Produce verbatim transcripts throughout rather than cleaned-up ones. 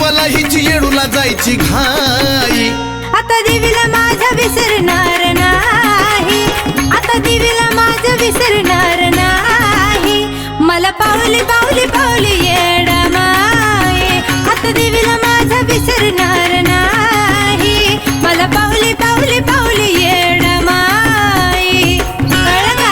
देवाला हिची येडूला जायची घाई. आता देवीला माझा विसरणार नाही, आता देवीला माझा विसरणार नाही. मला पावली पावली पावली येडा माये, आता देवीला माझा विसरणार नाही. मला पावली पावली पावली येडा माये. कळलं का?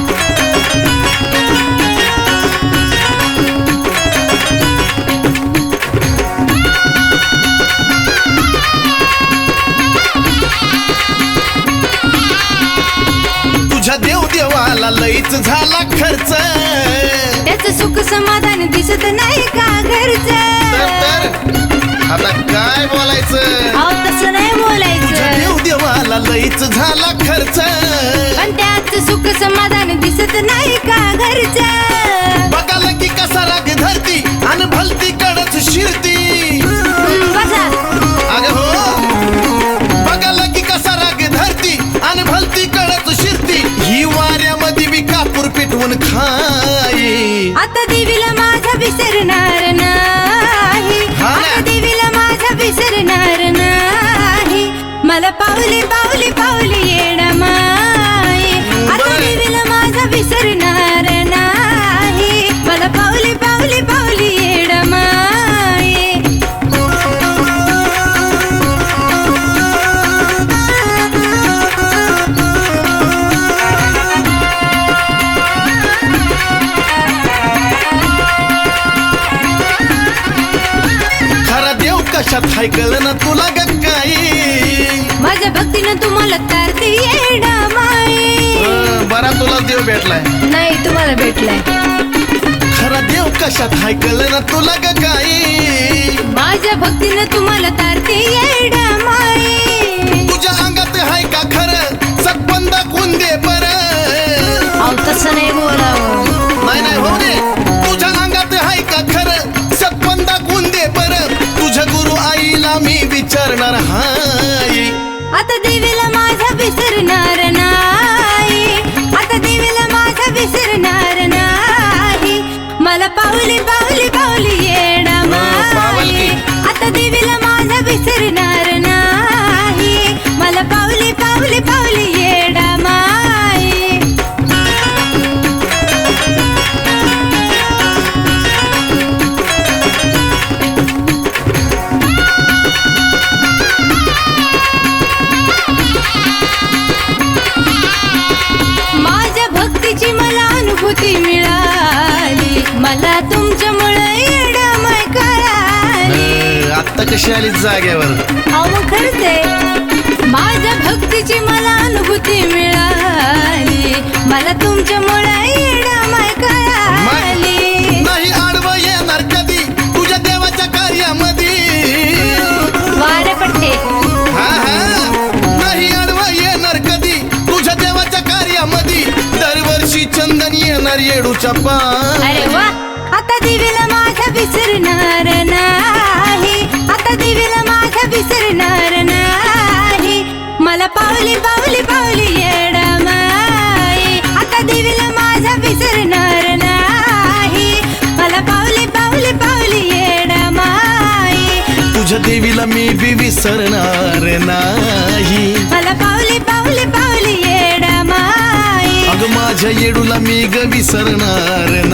तुझ्या देव देवाला लईच झाला खर्च, त्याचं सुख समाधान दिसत नाही का घरचं. तर तर आता काय बोलायचं. अहो तसं नाही तुझ्या बोलायचं, देव देवाला लईच झाला खर्च, पण त्यात सुख समाधान दिसत नाही का घरचं. बघाला की कसा राग धरती आणि भलती कडच शिरती. हं, बसा. अगं हो, बघाला की कसा राग धरती आणि भलती कडच शिरती. ही वाऱ्यामध्ये बी कापूर पेटवून खाई. आता देवीला माझा विसरणार नाही, हा ना. आता देवीला माझा विसरणार नाही. मला पावली पावली पावली येडा माये, आता बरं. देवीला माझा विसरणार नाही. मला पावली पावली पावली येडा माये. खरा देव कशात हाय कळलं ना तुला ग काही. माझ्या भक्तीनं तुम्हाला तारते येडा माये. अं, बरा तुला देव भेटलाय. नाही तुम्हाला भेटलाय. खरा देव कशात हाय कळलं ना तुला ग काही. माझ्या भक्तीनं तुम्हाला तारते येडा माये. तुझ्या अंगात हाय का खरं सतबंदा कोण दे बर. अहो तसं नाही बोलावं. नाही नाही हो रे, तुझ्या अंगात हाय का खरं सतबंदा कोण दे बर. तुझ्या गुरु आईला मी विचारणार हाय. आता देवीला माझा विसरणार नाही, आता देवीला माझा विसरणार नाही. मला पावली पावली पावली येडा माये, आता देवीला माझा विसरणार नाही. मला पावली पावली पावली येडा माये. माझ्या भक्तीची मला अनुभूती मिळाली, मला तुमच्यामुळे येडामाय कळाली. आत्ता कशी आली जाग्यावर. अहो मग खरंच आहे, माझ्या भक्तीची मला अनुभूती मिळाली, मला तुमच्यामुळे येडामाय कळाली. नाही आडवं येणार कधी तुझ्या देवाच्या कार्यामध्ये. वारे पट्टे. हा हा, नाही आडवं येणार कधी तुझ्या देवाच्या कार्यामध्ये. दरवर्षी चंदन येणार येडूच्या पाय. अरे वा. आता देवीला माझा विसरणार नाही, आता देवीला माझा विसरणार नाही. मला पावली पावली पावली येडा माये, आता देवीला माझा विसरणार नाही. मला पावली पावली पावली येडा माये. तुझ्या देवीला मी बी विसरणार नाही. मला पावली पावली पावली येडा माये. अगं माझ्या येडूला मी ग विसरणार